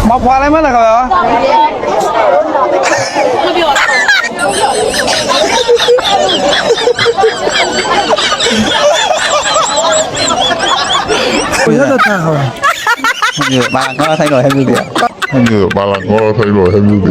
မဖွာလိုက်မလားခင်ဗျာဘယ်ရတဲ့ထားခေါ်ဒီဘာငါဆိုင်တော့ဟဲ့ဘူးပြဒီဘာလာငါဆိုင်တော့ဟဲ့ဘူးပြ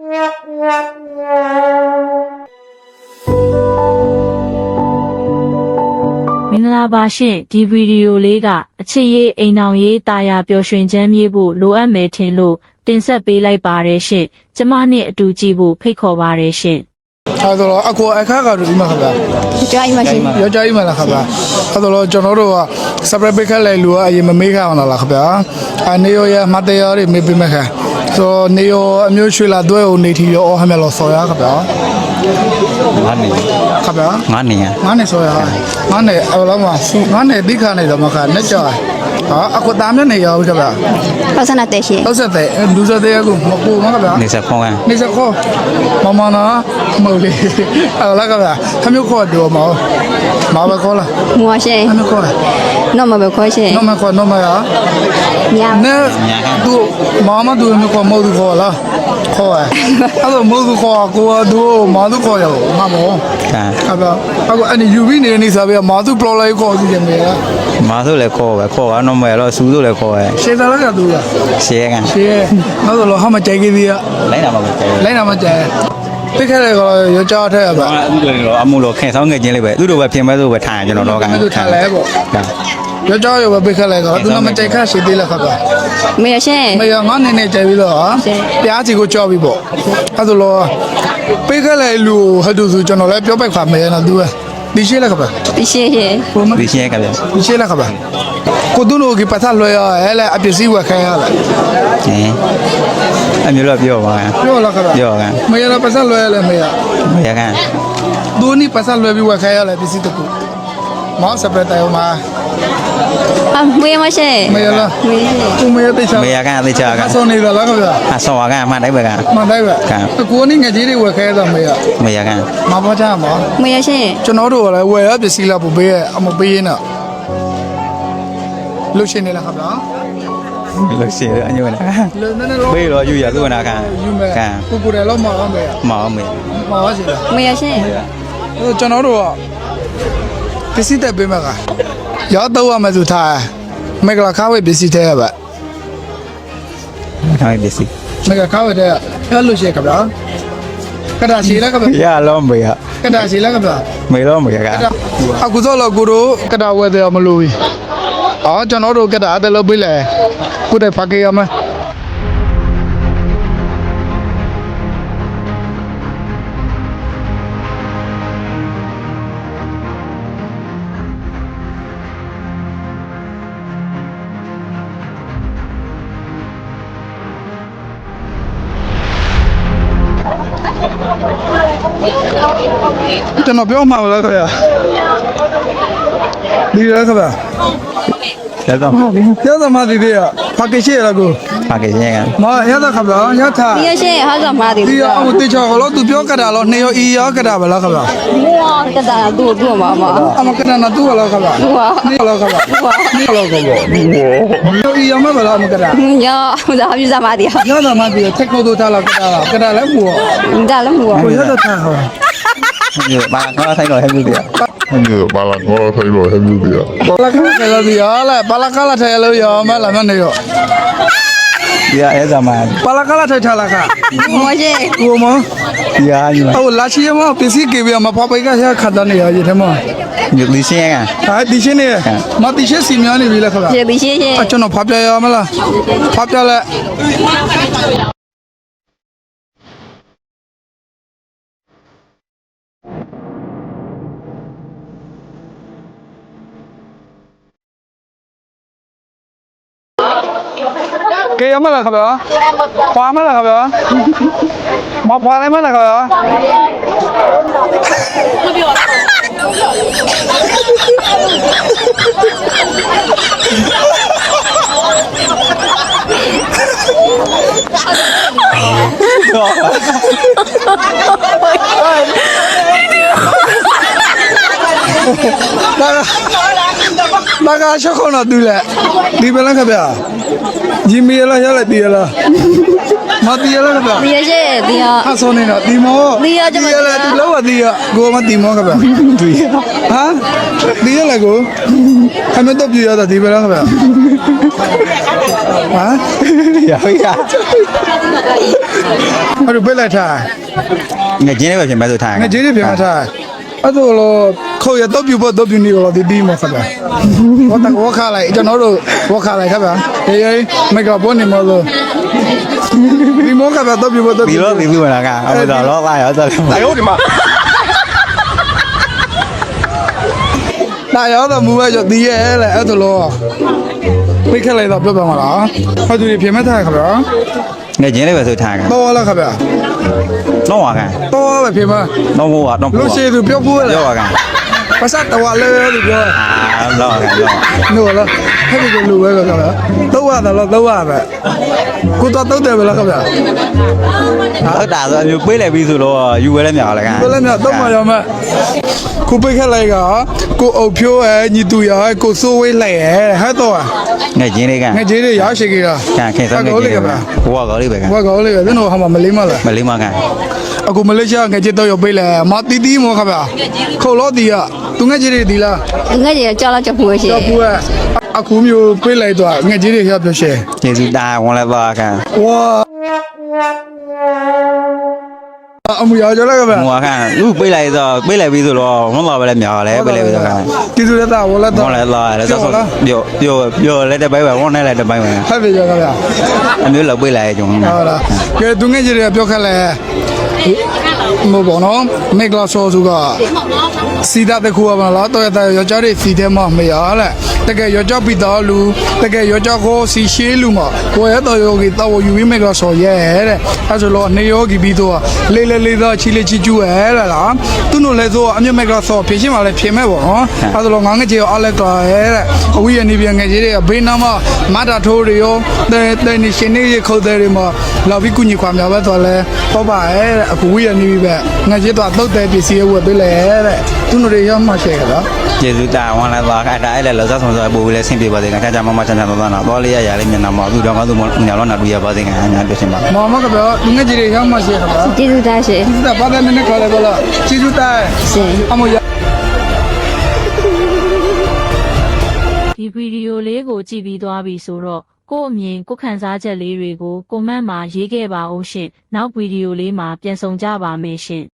မင်္ဂလာပါရှင်ဒီဗီဒီယိုလေးကအချစ်ရေးအိမ်အောင်ရေးတာယာပျော်ရွှင်ချမ်းမြေ့ဖို့လိုအပ်မယ်ထင်လို့တင်ဆက်ပေးလိုက်ပါတယ်ရှင်ကျမနဲ့အတူကြည့်ဖို့ဖိတ်ခေါ်ပါတယ်ရှင်အဲ့တော့အကိုအခါကတော့ဒီမှာခင်ဗျာကြားအိမ်မှာရှင်ရောကြားအိမ်မှာလားခင်ဗျာအဲ့တော့ကျွန်တော်တို့က separate ပိတ်ခက်လိုက်လို့အရင်မမေးခအောင်လားခင်ဗျာအနေရောရမတရားတွေမေးပေးမယ်ခင်ဆိုနေရောအမျိုးရွှေလာတွဲကိုနေထီရောဟမ်းမလို့ဆော်ရခင်ဗျာငါနေခင်ဗျာငါနေငါနေဆော်ရငါနေအဲ့လိုမှငါနေတိခါနေတော့မခနဲ့ကြောအခုတားမြနေရောခင်ဗျာပတ်စနာတဲ့ရှင်ပတ်စတဲ့လူစတဲ့ကူမကူမခင်ဗျာနေစခေါင်းနေစခေါမမနာမဟုတ်လေအဲ့လာခင်ဗျာခမျိုးခေါ်တော့မပဲခေါ်လားမွာရှင်ခမျိုးခေါ်နော်မပဲခေါ်ရှင်နော်မခေါ်နော်မရညာနဲ့သူမမသူမျိုးခေါ်မဟုတ်သူခေါ်လားခေါ်အဲ့တော့မဟုတ်သူခေါ်ကိုသူမသူခေါ်ရောမမောအဲ့တော့အခုအဲ့ဒီယူပြီးနေစားပြီးမသူပလော်လိုက်ခေါ်စီတယ်မေလားမာဆိုလည်းခေါ်ပဲခေါ်ကတော့မရတော့စူးဆိုလည်းခေါ်ရဲရှေ့သားလည်းကသူလားရှေ့ကရှေ့နောက်တော့ဟာမကြိုက်ကြီးသေးရလိုက်တာမပဲလိုက်တာမကြိုက်ပိတ်ခဲ့တယ်ကောရောကြားထက်ပါအခုလည်းတော့အမှုလို့ခင်ဆောင်ငယ်ချင်းလေးပဲသူတို့ပဲပြင်မဲ့ဆိုပဲထားကျွန်တော်တော့ကသူထားလဲပေါ့ရောကြားရောပဲပိတ်ခဲ့လိုက်ကောသူကမကြိုက်ခရှိသေးလားခပါမေရရှင်မေရငါနေနေကြိုက်ပြီးတော့ပြားစီကိုကြောက်ပြီးပေါ့အဲ့ဒါလို့ပိတ်ခဲ့လိုက်လို့ဟတ်သူဆိုကျွန်တော်လည်းပြောပိုက်ခါမေရနော်သူကဒီရှိလားခပါဒီရှိရှင်ဒီရှိကဗျဒီရှိလားခပါကိုသူတို့ကပတ်သက်လွှဲရဟဲ့လေအပစ္စည်းဝယ်ခိုင်းရလားအမျိုးတော့ပြောပါပြောလားခပါပြောကမေရပတ်သက်လွှဲရလဲမေရမေရကဒိုနီပတ်သက်လွှဲပြီးဝယ်ခိုင်းရလဲပစ္စည်းတကူမောစပရက်တိုင်မှာမေရမရှိမေရလားကိုမေရတိတ်ချာမေရကအသေးချာကအဆောနေလားခပါအဆောကမှတိုင်းပဲကမှတိုင်းပဲကိုနီငယ်ကြီးတွေဝယ်ခိုင်းရတော့မေရမေရကမပေါ်ကြမှာမေရရှင်ကျွန်တော်တို့ကလည်းဝယ်ရပစ္စည်းလာပို့ပေးရအမပေးရင်တော့လုရှင်နေလားခပါလို့ရှိရအညွန့်နာဘေးတော့ယူရသူကနာခံခံကိုတယ်တော့မအောင်မေမအောင်မေမအောင်ရှင်မေရရှင်ကျွန်တော်တို့ကပစ္စည်းတက်ပေးမှာကရောက်တော့ရမယ်သူထားမေကလာခါဝေးပစ္စည်းတဲ့ပါခါဝေးပစ္စည်းမေကခါဝေးတဲ့အဲ့လိုရှိခဗျာကတာရှိလားခဗျာရလုံးမေဟာကတာရှိလားခဗျာမေတော့မေကအခုစောလို့ကိုတို့ကတာဝဲတယ်မလို့ဘူးအော်ကျွန်တော်တို့ကတာအဲ့လိုပေးလေကိုတဲ့ဖကေရမယ်ကျွန်တော်ပြောမှာလားခင်ဗျာဒီရခင်ဗျာရသမားရသမားဒီရဖကေရှိရလားကိုဖကေရှိရမရသခင်ဗျာရထားဒီရရှင်ဟာသမားဒီဒီရအမတေချောလို့သူပြောကြတာလို့နေရောဤရောကြတာပဲလားခင်ဗျာကတာသူ့မှာပါအမကနနာသူ့လားခင်ဗျာသူ့ဟာနေလားခင်ဗျာနေလားခင်ဗျာဤရောမပါလားမကြတာညာဒါပြသမားဒီရသမားဒီထက်ကိုတို့ထားလားကြတာလည်းဘူးဒါလည်းဘူးကိုရတဲ့ထားဟောဒီဘာငါဆိုင်တော့ဟဲ့ဘူးပြဒီဘာလာငါဆိုင်တော့ဟဲ့ဘူးပြဘာလာကလည်းဒီရလားဘာလာကလည်းထဲလို့ရမလားမနေရောဒီအဲ့ဒါမှဘာလာကလည်းထဲထားလားကမရှိကိုမဒီအားကြီးဟိုလာချီမပစ္စည်းကေပြမဖောက်ပိတ်ကရခတ်တယ်နေရရတဲ့မဒီရှင်းကဟာဒီရှင်းနေမဒီရှင်းစီများနေပြီလားခဗျာဒီရှင်းရှင်းကျွန်တော်ဖောက်ပြရမလားဖောက်ပြလဲကဲရမလားခဗျာခွာမလားခဗျာမခွာလိုက်မလားခဗျာမပြော大家小看了对了，你别那个别，你没了下来对了，妈对了个别。 ဒီရရဲ့ဒီရ他说你了，地毛， 地啊这么了， 地啊地了我地啊，给我们地毛个呗，对呀，啊，地了个，还没到地了的地了个呗，啊， ရပြီက我就不来谈， ငါကျင်းလေးပဲပြင်မဲ့ဆိုထား我今天别谈，啊都了，考也到不到不你了的地毛个呗，我看来，就那时候我看来个呗，没搞半年么子，地毛个呗到不到ဒီလိုဒီလိုလာကအမတော်တော့ပါရောတော်တယ်哎呦我的妈大摇的木外就地了，啊都了，没看来到不办了，他就偏没谈个呗。 ငါကျင်းလေးပဲဆိုထားကတော့လာခဗျာတော့ဝါကတော့ပဲဖြစ်မတော့ဘောတော့လို့ရှိသူပြောဖို့လေပြောပါကပတ်စတ်တော်လဲလို့ပြောအာတော့ကတော့နို့လားဟဲ့ဒီလိုပဲခဗျာတော့ရတယ်လို့တော့ရပဲကိုတော့တယ်ပဲလားခဗျာဟုတ်တာဆိုမျိုးပေးလိုက်ပြီးဆိုတော့ယူဝဲလဲမြောက်လဲကဘယ်လဲမြတော့မရမကိုပိတ်ခက်လိုက်ကကိုအုပ်ဖြိုးရဲ့ညီတူရဲ့ကိုစိုးဝေးလိုက်ရဲ့ဟဲ့တော့ငါကျင်းလေးကငါကြီးတွေရရှိကြတာကခင်စမ်းနေကိုကြလေးတယ်ကဗျာဘဝကောလေးပဲကဘာကောလေးကကျွန်တော်ဟာမလေးမလားမလေးမကအခုမလေးရှားငါကြီးတော့ရပေးလဲမတီတီမောခဗျာခုတ်လို့တီးရသူငါကြီးတွေတီးလားသူငယ်ကြီးကြောက်တော့ချက်ဖို့ရှိတော့ဘူးအခုမျိုးပေးလိုက်တော့ငါကြီးတွေရပြောရှယ်ကျေစုတာဝန်လဲပါက哇！အမရကြလားကဗျာဟိုကလူပေးလိုက်တော့ပေးလိုက်ပြီးဆိုတော့ဝန်တော့ပဲလဲမြောက်လဲပေးလိုက်ပြီးတော့ကတီတူလက်တာဝလက်တာဝန်လဲလာလဲဆိုပြောလဲတဲ့ဘိုင်းပဲဝန်နဲ့လဲတဲ့ဘိုင်းပဲဟဲ့ပြကြကဗျာအမျိုးလောက်ပေးလိုက်ကြုံဟုတ်လားကဲသူငယ်ကြီးတွေပြောခက်လဲမဘောနော်မေကလာဆောစုကစီတာတခုပါလားတော့ရယောက်ျားတွေစီတဲ့မမရလဲတကယ်ယောက်ျားပြီးတော့လူတကယ်ယောက်ျားကိုစီရှေးလူမကိုရတော့ယောဂီတော့ယူပြီးမေကလာဆောရဲတဲ့အဲဆိုတော့နေယောဂီပြီးတော့လေးလေးလေးတော့ချီလေးချီကျူးရဲလားသူတို့လည်းဆိုအမြတ်မေကလာဆောဖြည့်ရှင်းပါလေဖြည့်မဲ့ပေါ့နော်အဲဆိုတော့ငါငယ်ကြီးအားလက်ကရဲတဲ့အဝိယနေပြန်ငယ်ကြီးတွေကဘေးနားမှာမတာထိုးတွေရောတဲ့နေရှင်နေခုတ်တဲ့တွေမှာလာပြီးကုညီခွာများပဲတော့လဲပေါ့ပါရဲအခုဝိယနေပြီပဲငါကြီးတော့တုတ်တဲ့ပစ္စည်းဝယ်ပေးလဲတဲ့သူတို့တွေရောမှရှယ်ကြတာကျေစုတာဝန်လဲပါကအဲ့ဒါအဲ့လဲလောစားဆောင်စားပို့လဲဆင်းပြပါစေကချာချာမမချမ်းချမ်းသာသာတော့တော့လေးရရလေးမျက်နှာမှာသူတော်ကောင်းသူညောင်းတော့နာတူရပါစေကအများပြောရှင်ပါမမကပြောသူငယ်ကြီးတွေရောမှရှယ်ကြတာကျေးဇူးတင်ရှင်ဒီကဘာသာနဲ့ခေါ်လဲဘောလားချီချူတိုင်ရှင်အမရဒီဗီဒီယိုလေးကိုကြည့်ပြီးသွားပြီဆိုတော့ကို့အမြင်ကိုယ်ခံစားချက်လေးတွေကိုကွန်မန့်မှာရေးခဲ့ပါဦးရှင်နောက်ဗီဒီယိုလေးမှာပြန်ဆောင်ကြပါမယ်ရှင်